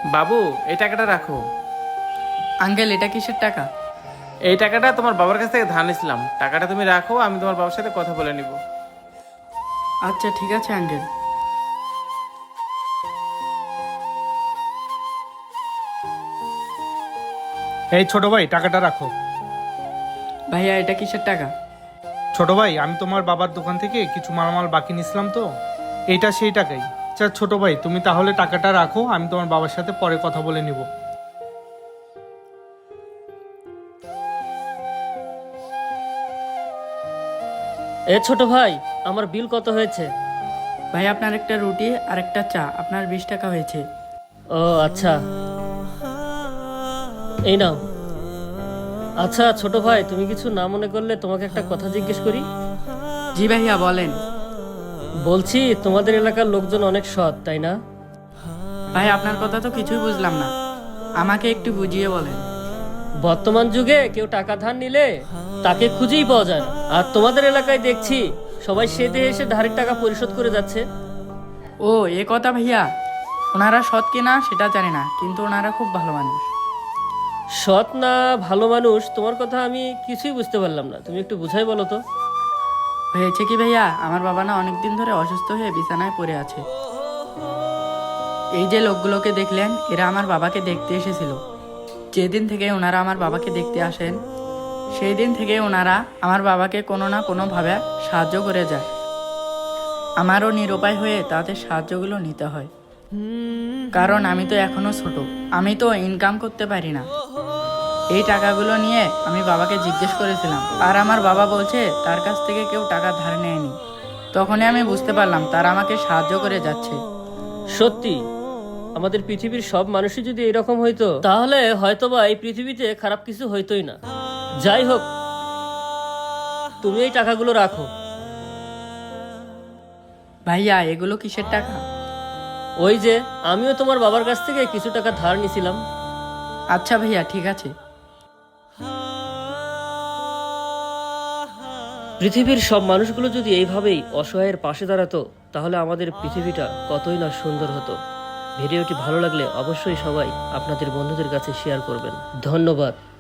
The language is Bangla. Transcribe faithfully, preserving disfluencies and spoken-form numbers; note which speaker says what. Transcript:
Speaker 1: বাবু, এই টাকাটা রাখো।
Speaker 2: আঙ্কেল, এটা কিসের টাকা?
Speaker 1: এই টাকাটা তোমার বাবার কাছ থেকে ধার নিছিলাম। টাকাটা তুমি রাখো, আমি তোমার বাবার সাথে কথা বলে নিব।
Speaker 2: আচ্ছা ঠিক আছে আঙ্কেল।
Speaker 3: এই ছোট ভাই, টাকাটা রাখো।
Speaker 2: ভাইয়া, এটা কিসের টাকা?
Speaker 3: ছোট ভাই, আমি তোমার বাবার দোকান থেকে কিছু মালামাল বাকি নিছিলাম তো, এইটা সেই টাকাই। আচ্ছা ছোট ভাই, তুমি তাহলে টাকাটা রাখো, আমি তোমার বাবার সাথে পরে কথা বলে নিব।
Speaker 4: এ ছোট ভাই, আমার বিল কত হয়েছে?
Speaker 2: ভাই, আপনার একটা রুটি আর একটা চা, আপনার বিশ টাকা হয়েছে।
Speaker 4: ও আচ্ছা, এই নাও। আচ্ছা ছোট ভাই, তুমি কিছু না মনে করলে তোমাকে একটা কথা জিজ্ঞেস করি।
Speaker 2: জি ভাইয়া, বলেন।
Speaker 4: বলছি, তোমাদের এলাকার লোকজন অনেক সৎ, তাই না?
Speaker 2: ভাই, আপনার কথা তো কিছুই বুঝলাম না, আমাকে একটু বুঝিয়ে বলেন।
Speaker 4: বর্তমান যুগে কেউ টাকা ধার নিলে তাকে খুঁজেই পাওয়া যায় না। আর তোমাদের এলাকায় দেখছি সবাই সে দেহে এসে ধারের টাকা পরিশোধ করে যাচ্ছে।
Speaker 2: ও, এ কথা ভাইয়া। ওনারা সৎ কিনা সেটা জানি না, কিন্তু ওনারা খুব ভালো মানুষ।
Speaker 4: সৎ না ভালো মানুষ, তোমার কথা আমি কিছুই বুঝতে পারলাম না, তুমি একটু বুঝাই বলো তো।
Speaker 2: হয়েছে কি ভাইয়া, আমার বাবা না অনেকদিন ধরে অসুস্থ হয়ে বিছানায় পড়ে আছে। এই যে লোকগুলোকে দেখলেন, এরা আমার বাবাকে দেখতে এসেছিল। যেদিন থেকে ওনারা আমার বাবাকে দেখতে আসেন, সেই দিন থেকে ওনারা আমার বাবাকে কোনো না কোনোভাবে সাহায্য করে যায়। আমারও নিরুপায় হয়ে তাদের সাহায্যগুলো নিতে হয়, কারণ আমি তো এখনো ছোট, আমি তো ইনকাম করতে পারি না। এই টাকাগুলো নিয়ে আমি বাবাকে জিজ্ঞেস করেছিলাম, আর আমার বাবা বলছে তার কাছ থেকে কেউ টাকা ধার নেয়নি। তখনই আমি বুঝতে পারলাম তারা আমাকে সাহায্য করে যাচ্ছে।
Speaker 4: সত্যি, আমাদের পৃথিবীর সব মানুষই যদি এরকম হইতো, তাহলে হয়তোবা এই পৃথিবীতে খারাপ কিছু হইতোই না। যাই হোক, তুমি এই টাকাগুলো রাখো।
Speaker 2: ভাইয়া, এগুলো কিসের টাকা?
Speaker 4: ওই যে, আমিও তোমার বাবার কাছ থেকে কিছু টাকা ধার নিছিলাম।
Speaker 2: আচ্ছা ভাইয়া, ঠিক আছে।
Speaker 4: পৃথিবীর সব মানুষগুলো যদি এইভাবেই অসহায়ের পাশে দাঁড়াতো, তাহলে আমাদের পৃথিবীটা কতই না সুন্দর হতো। ভিডিওটি ভালো লাগলে অবশ্যই সবাই আপনাদের বন্ধুদের কাছে শেয়ার করবেন। ধন্যবাদ।